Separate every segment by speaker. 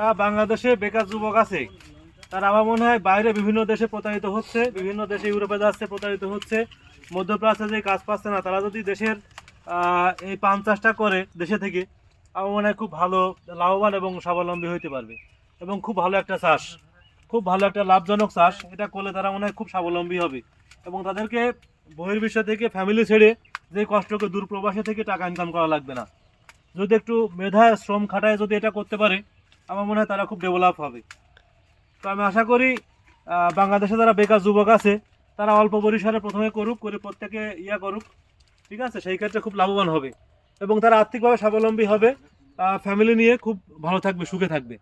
Speaker 1: বাংলাদেশে বেকার যুবক আছে, তারা আমার মনে হয় বাইরে বিভিন্ন দেশে প্রতারিত হচ্ছে, বিভিন্ন দেশে ইউরোপে যাচ্ছে, প্রতারিত হচ্ছে, মধ্যপ্রাচ্যে যে কাজ পাচ্ছে না, তারা যদি দেশের এই পান চাষটা করে দেশে থেকে, আমার মনে হয় খুব ভালো লাভবান এবং স্বাবলম্বী হইতে পারবে। এবং খুব ভালো একটা চাষ, খুব ভালো একটা লাভজনক চাষ, এটা করলে তারা মনে হয় খুব স্বাবলম্বী হবে। এবং তাদেরকে বহির্বিশ্ব থেকে ফ্যামিলি ছেড়ে যে কষ্টকে দূরপ্রবাসে থেকে টাকা ইনকাম করা লাগবে না। যদি একটু মেধা শ্রম খাটায় যদি এটা করতে পারে, আমার মনে হয় তারা খুব ডেভেলপ হবে। তো আমি আশা করি বাংলাদেশে যারা বেকার যুবক আছে তারা অল্প পরিসরে প্রথমে করুক, করে প্রত্যেকে করুক, ঠিক আছে, সেই ক্ষেত্রে খুব লাভবান হবে এবং তারা আর্থিকভাবে স্বাবলম্বী হবে, ফ্যামিলি নিয়ে খুব ভালো থাকবে, সুখে থাকবে।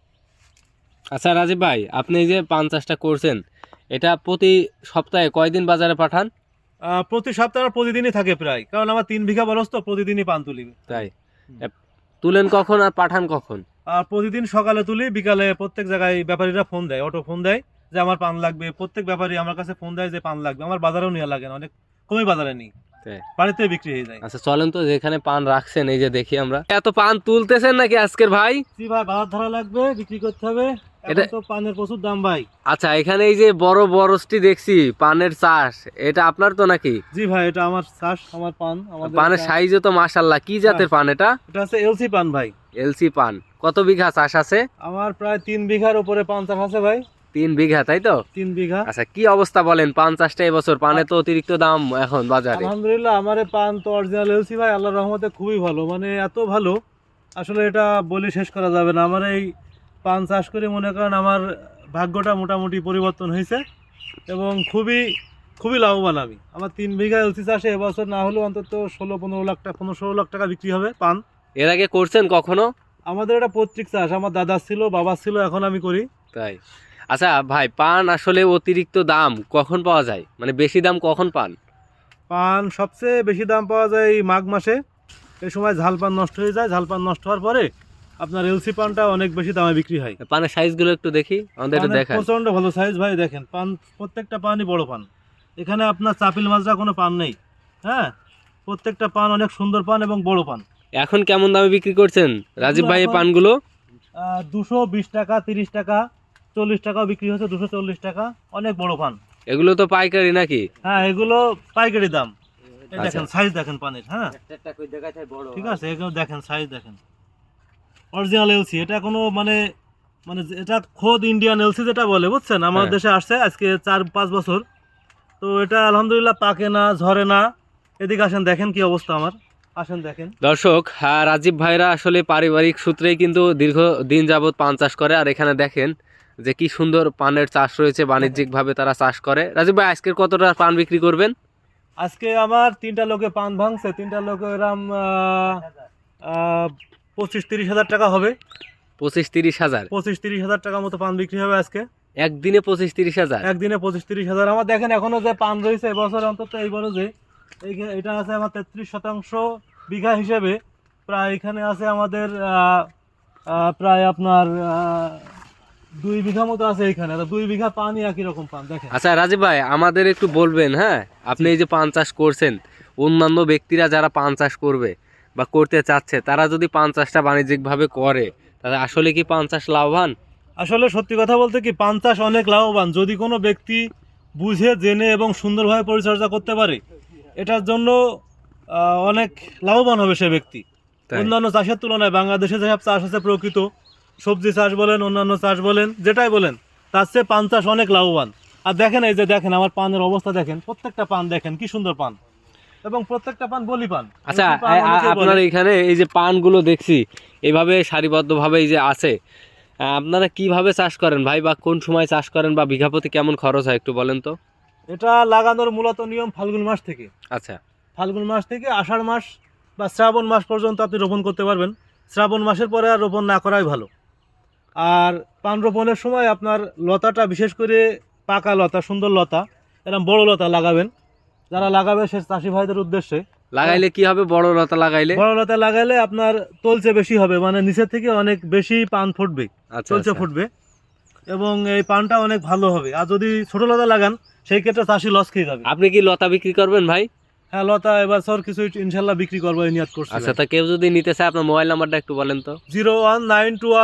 Speaker 2: আচ্ছা রাজীব ভাই, আপনি এই যে পান চাষটা করছেন, এটা প্রতি সপ্তাহে কয়দিন বাজারে পাঠান?
Speaker 1: প্রতি সপ্তাহে প্রতিদিনই থাকে প্রায়, কারণ আমার 3 বিঘা বরস তো প্রতিদিনই পান তুলি।
Speaker 2: তাই তুলেন কখন আর পাঠান কখন?
Speaker 1: প্রতিদিন সকালে তুলি, বিকালে প্রত্যেক জায়গায় ব্যাপারীরা ফোন দেয়, অটো ফোন দেয় যে আমার পান লাগবে। প্রত্যেক ব্যাপারী আমার কাছে ফোন দেয় যে পান লাগবে। আমার বাজারেও নেওয়া লাগে না, অনেক কমই বাজারে নিই, বাড়িতে বিক্রি হয়ে যায়।
Speaker 2: আচ্ছা চলেন তো, যেখানে পান রাখছেন এই যে দেখি আমরা। এত পান তুলতেছেন নাকি আজকের ভাই?
Speaker 1: জি ভাই, বাজার ধরা লাগবে, বিক্রি করতে হবে, এটা তো পানের প্রচুর দাম ভাই।
Speaker 2: আচ্ছা, এখানে এই যে বড় বড়টি দেখছি পানের চাষ, এটা আপনার তো নাকি?
Speaker 1: জি ভাই, এটা আমার চাষ, আমার পান। আমাদের
Speaker 2: পানের সাইজও তো মাশাআল্লাহ। কি জাতের পান এটা?
Speaker 1: এটা আছে এলসি পান ভাই।
Speaker 2: এলসি পান। কত বিঘা চাষ আছে?
Speaker 1: আমার প্রায় 3 বিঘার উপরে পান চাষ আছে ভাই।
Speaker 2: 3 বিঘা, তাই তো?
Speaker 1: 3 বিঘা।
Speaker 2: আচ্ছা, কি অবস্থা বলেন পান চাষটা এবছর? পানে তো অতিরিক্ত দাম এখন বাজারে।
Speaker 1: আলহামদুলিল্লাহ, আমার পান তো অরিজিনাল এলসি ভাই, আল্লাহর রহমতে খুবই ভালো, মানে এত ভালো আসলে এটা বলে শেষ করা যাবে না। আমার এই পান চাষ করে মনে করেন আমার ভাগ্যটা মোটামুটি পরিবর্তন হয়েছে এবং খুবই খুবই লাভবান আমি। আমার 3 বিঘা এলসি চাষে এবছর না হলেও অন্তত 16-15 লাখ টাকা, 15-16 লাখ টাকা বিক্রি হবে পান।
Speaker 2: এর আগে করছেন কখনো?
Speaker 1: আমাদের এটা পৈতৃক চাষ, আমার দাদা ছিল, বাবা ছিল, এখন আমি করি।
Speaker 2: তাই? আচ্ছা ভাই, পান আসলে অতিরিক্ত দাম কখন পাওয়া যায়, মানে বেশি দাম কখন পান?
Speaker 1: পান সবচেয়ে বেশি দাম পাওয়া যায় এই মাঘ মাসে। এই সময় ঝাল পান নষ্ট হয়ে যায়, ঝাল পান নষ্ট হওয়ার পরে আপনার এলসি পানটা অনেক বেশি দামে বিক্রি হয়।
Speaker 2: পানের সাইজগুলো একটু দেখি, আমাদের একটু দেখান।
Speaker 1: প্রচন্ড ভালো সাইজ ভাই, দেখেন পান, প্রত্যেকটা পানই বড় পান। এখানে আপনার চাপিল মাজরা কোনো পান নেই। হ্যাঁ, প্রত্যেকটা পান অনেক সুন্দর পান এবং বড় পান।
Speaker 2: এখন কেমন দামে বিক্রি করছেন রাজীব ভাই এই পানগুলো?
Speaker 1: 220 টাকা, 30 টাকা, 40 টাকাও বিক্রি হচ্ছে, 240 টাকা, অনেক বড় পান।
Speaker 2: এগুলো তো পাইকারি নাকি?
Speaker 1: হ্যাঁ, এগুলো পাইকারি দাম। এই দেখেন সাইজ দেখেন পানের। হ্যাঁ ঠিক আছে, এগুলো দেখেন সাইজ দেখেন, অরিজিনাল এলসি। এটা কোনো মানে মানে এটা খোদ ইন্ডিয়ান এলসি যেটা বলে, বুঝছেন, আমার দেশে আসছে আজকে 4-5 বছর। তো এটা আলহামদুলিল্লাহ পাকে না, ঝরে না। এদিকে আসেন, দেখেন কি অবস্থা আমার, আসেন দেখেন।
Speaker 2: দর্শক, রাজীব ভাইরা আসলে পারিবারিক সূত্রেই কিন্তু দীর্ঘ দিন যাবত পান চাষ করে। আর এখানে দেখেন যে কি সুন্দর পানের চাষ রয়েছে, বাণিজ্যিকভাবে তারা চাষ করে। রাজীব ভাই, আজকের কতটা পান বিক্রি করবেন?
Speaker 1: আজকে আমার 3টা লোকে পান ভাঙছে, 3টা লোকে এরম 25-30 হাজার টাকা হবে।
Speaker 2: 25-30 হাজার?
Speaker 1: 25-30 হাজার টাকার মতো পান বিক্রি হবে আজকে।
Speaker 2: একদিনে 25-30 হাজার?
Speaker 1: একদিনে 25-30 হাজার। আমার দেখেন এখনো যে পান রয়েছে এবছর, অন্তত এই বড় যে এটা আছে আমার 33% বিঘা হিসেবে। প্রায় এখানে আছে আমাদের প্রায় আপনার 2 বিঘা মতো আছে এখানে। 2 বিঘা পানই একই রকম পান দেখেন।
Speaker 2: আচ্ছা রাজীব ভাই, আমাদের একটু বলবেন, হ্যাঁ, আপনি এই যে পান চাষ করছেন, অন্যান্য ব্যক্তিরা যারা পান চাষ করবে বা করতে চাচ্ছে, তারা যদি পান চাষটা বাণিজ্যিকভাবে করে, তাহলে আসলে কি পান চাষ লাভবান?
Speaker 1: আসলে সত্যি কথা বলতে কি, পান চাষ অনেক লাভবান যদি কোনো ব্যক্তি বুঝে জেনে এবং সুন্দরভাবে পরিচর্যা করতে পারে। এটার জন্য অনেক লাভবান হবে সে ব্যক্তি। অন্যান্য চাষের তুলনায় বাংলাদেশে যেসব চাষ আছে প্রকৃত, সবজি চাষ বলেন, অন্যান্য চাষ বলেন, যেটাই বলেন, তার চেয়ে পান চাষ অনেক লাভবান। আর দেখেন এই যে দেখেন আমার পানের অবস্থা দেখেন, প্রত্যেকটা পান দেখেন কি সুন্দর পান, এবং প্রত্যেকটা পান বলি পান।
Speaker 2: আচ্ছা, আপনার এখানে এই যে পানগুলো দেখছি এইভাবে সারিবদ্ধভাবে এই যে আছে, আপনারা কিভাবে চাষ করেন ভাই, বা কোন সময় চাষ করেন, বা বিঘা প্রতি কেমন খরচ হয় একটু বলেন তো?
Speaker 1: এটা লাগানোর মূলত নিয়ম ফাল্গুন মাস থেকে।
Speaker 2: আচ্ছা,
Speaker 1: ফাল্গুন মাস থেকে আষাঢ় মাস বা শ্রাবণ মাস পর্যন্ত আপনি রোপণ করতে পারবেন। শ্রাবণ মাসের পরে আর রোপণ না করাই ভালো। আর পান রোপণের সময় আপনার লতাটা, বিশেষ করে পাকা লতা, সুন্দর লতা, এরকম বড় লতা লাগাবেন। যারা লাগাবে সে চাষি ভাইদের উদ্দেশ্যে।
Speaker 2: লাগাইলে কি হবে? বড় লতা লাগাইলে?
Speaker 1: বড় লতা লাগাইলে আপনার তলচে বেশি হবে, মানে নিচের থেকে অনেক বেশি পান ফুটবে, তলচে ফুটবে, এবং এই পানটা অনেক ভালো হবে। আর যদি ছোট লতা লাগান সেই ক্ষেত্রে চাষি লস খেয়ে যাবে।
Speaker 2: আপনি কি লতা বিক্রি করবেন ভাই?
Speaker 1: হ্যাঁ, লতা এবার স্যার কিছু ইনশাল্লাহ বিক্রি করবো, নিয়াত করছি।
Speaker 2: আচ্ছা, তা কেউ যদি নিতে চায় আপনার মোবাইল নাম্বারটা একটু বলেন তো।
Speaker 1: 01921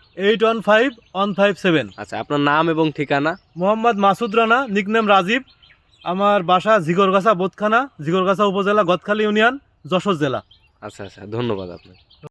Speaker 1: 815157।
Speaker 2: আচ্ছা, আপনার নাম এবং ঠিকানা?
Speaker 1: মোহাম্মদ মাসুদ রানা, নিকনেম রাজীব। আমার বাসা জিগরগাছা বোদখানা, জিগরগাছা উপজেলা, গদখালী ইউনিয়ন, যশোর জেলা।
Speaker 2: আচ্ছা আচ্ছা, ধন্যবাদ আপনাকে।